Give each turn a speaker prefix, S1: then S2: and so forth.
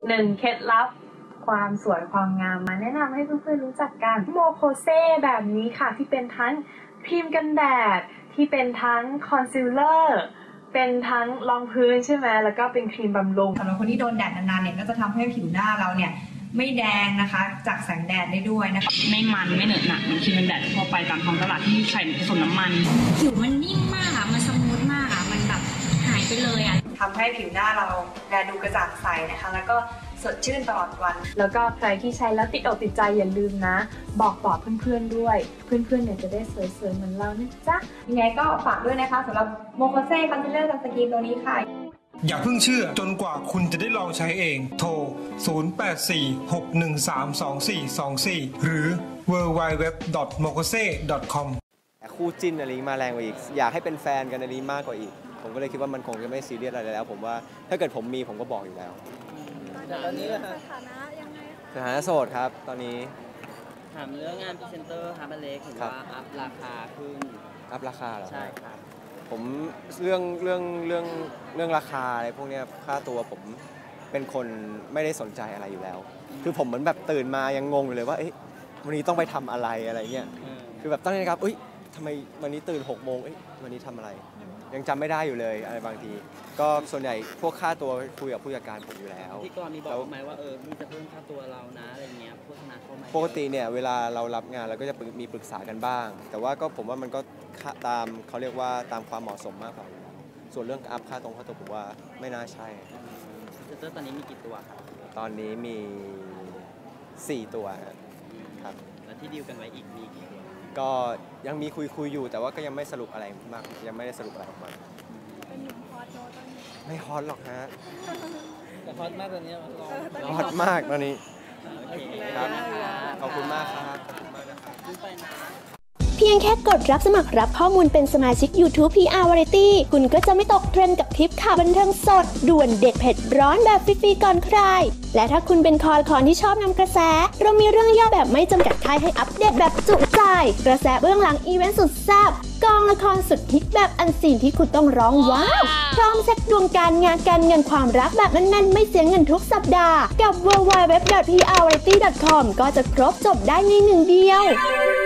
S1: 1 เคล็ดลับความสวยความงามมาแนะนำให้เพื่อนๆรู้จักกันโมโคเซแบบนี้ค่ะที่เป็นทั้งครีมกันแดดที่เป็นทั้งคอนซีลเลอร์เป็นทั้งรองพื้นใช่ไหมแล้วก็เป็นครีมบำรุง
S2: สำหรับคนที่โดนแดดนานๆเนี่ยก็จะทำให้ผิวหน้าเราเนี่ยไม่แดงนะคะจากแสงแดดได้ด้วยนะคะ
S3: ไม่มันไม่เหนอะหนักมันครีมกันแดดทั่วไปตามท้องตลาดที่ใส่ผสมน้ำมัน
S4: ผิวมันนิ่มมากอะมันสมูทมากอะมันแบบหายไปเลยอะ
S2: ทำให้ผิวหน้าเราแลดูกระจ่างใสนะคะแล้วก็สดชื่นตลอดวัน
S1: แล้วก็ใครที่ใช้แล้วติดอกติดใจอย่าลืมนะบอกต่อเพื่อนๆด้วยเพื่อนๆเนี่ยจะได้สวยๆเหมือนเรานะจ๊ะ
S2: ยังไงก็ฝากด้วยนะคะสำหรับโมโคเซ่คอนซีลเลอร์ซันสกรีนตัวนี้ค่ะ
S5: อย่าเพิ่งเชื่อจนกว่าคุณจะได้ลองใช้เองโทร 0846132424 หรือ www.mokose.com
S6: แต่คู่จิ้นอะไรนี้มาแรงกว่าอีกอยากให้เป็นแฟนกันอะไรนี้มากกว่าอีกผมก็เลยคิดว่ามันคงจะไม่ซีเรียสอะไรแล้วผมว่าถ้าเกิดผมมีผมก็บอกอยู่แล้ว
S7: ตอนนี้ส
S6: ถานะยังไงสถานะโสดครับตอนนี้
S7: ถามเรื่องงานพรีเซนเตอร์ครับอเล็กเห็นว่าอัพราคาขึ้น
S6: อัพราคาเหรอ
S7: ใช่ครับ
S6: ผมเรื่องราคาอะไรพวกนี้ค่าตัวผมเป็นคนไม่ได้สนใจอะไรอยู่แล้วคือผมเหมือนแบบตื่นมายังงงอยู่เลยว่าวันนี้ต้องไปทำอะไรเงี้ยคือแบบตั้งใจครับทำไมวันนี้ตื่น6 โมงวันนี้ทำอะไรยังจำไม่ได้อยู่เลยอะไรบางทีก็ส่วนใหญ่พวกค่าตัวคุยกับผู้จัดการผมอยู่แล้ว
S7: ที่ก่อนมีบอกไหมว่ามีจะเพิ่มค่าตัวเรานะอะไรเงี้ยโฆษณาเข้ามา
S6: ปกติเนี่ยเวลาเรารับงานเราก็จะมีปรึกษากันบ้างแต่ว่าก็ผมว่ามันก็ตามเขาเรียกว่าตามความเหมาะสมมากกว่าส่วนเรื่องอัพค่าตัวผมว่าไม่น่าใช่
S7: พรีเซนเตอร์ตอนนี้มีกี่ตัวครับ
S6: ตอนนี้มี4 ตัวครับ
S7: แล้วที่ดีลกันไว้อีกมีกี่ตัว
S6: ก็ยังมีคุยอยู่แต่ว่าก็ยังไม่สรุปอะไรมากยังไม่ได้สรุปอะไรออกมา
S4: เป็นหนุ่มฮอตโน้ตอนนี้
S6: ไม่ฮอตหรอกฮะ
S7: แต่ฮอตมากตอนนี้
S6: ฮอตมากตอนนี้ครับขอบคุณมากครับ
S8: เพียงแค่กดรับสมัครรับข้อมูลเป็นสมาชิก YouTube PR Variety คุณก็จะไม่ตกเทรนด์กับคลิปข่าวบันเทิงสดด่วนเด็ดเผ็ดร้อนแบบฟรีๆก่อนใครและถ้าคุณเป็นคอที่ชอบนำกระแสเรามีเรื่องย่อแบบไม่จำกัดค่ายให้อัปเดตแบบจุใจกระแสเบื้องหลังอีเวนต์สุดแซ่บกองละครสุดฮิตแบบอันซีนที่คุณต้องร้องว้าวพร้อมเช็คดวงการงานการเงินความรักแบบแน่นๆไม่เสียเงินทุกสัปดาห์กับ www.prvariety.com ก็จะครบจบได้ในหนึ่งเดียว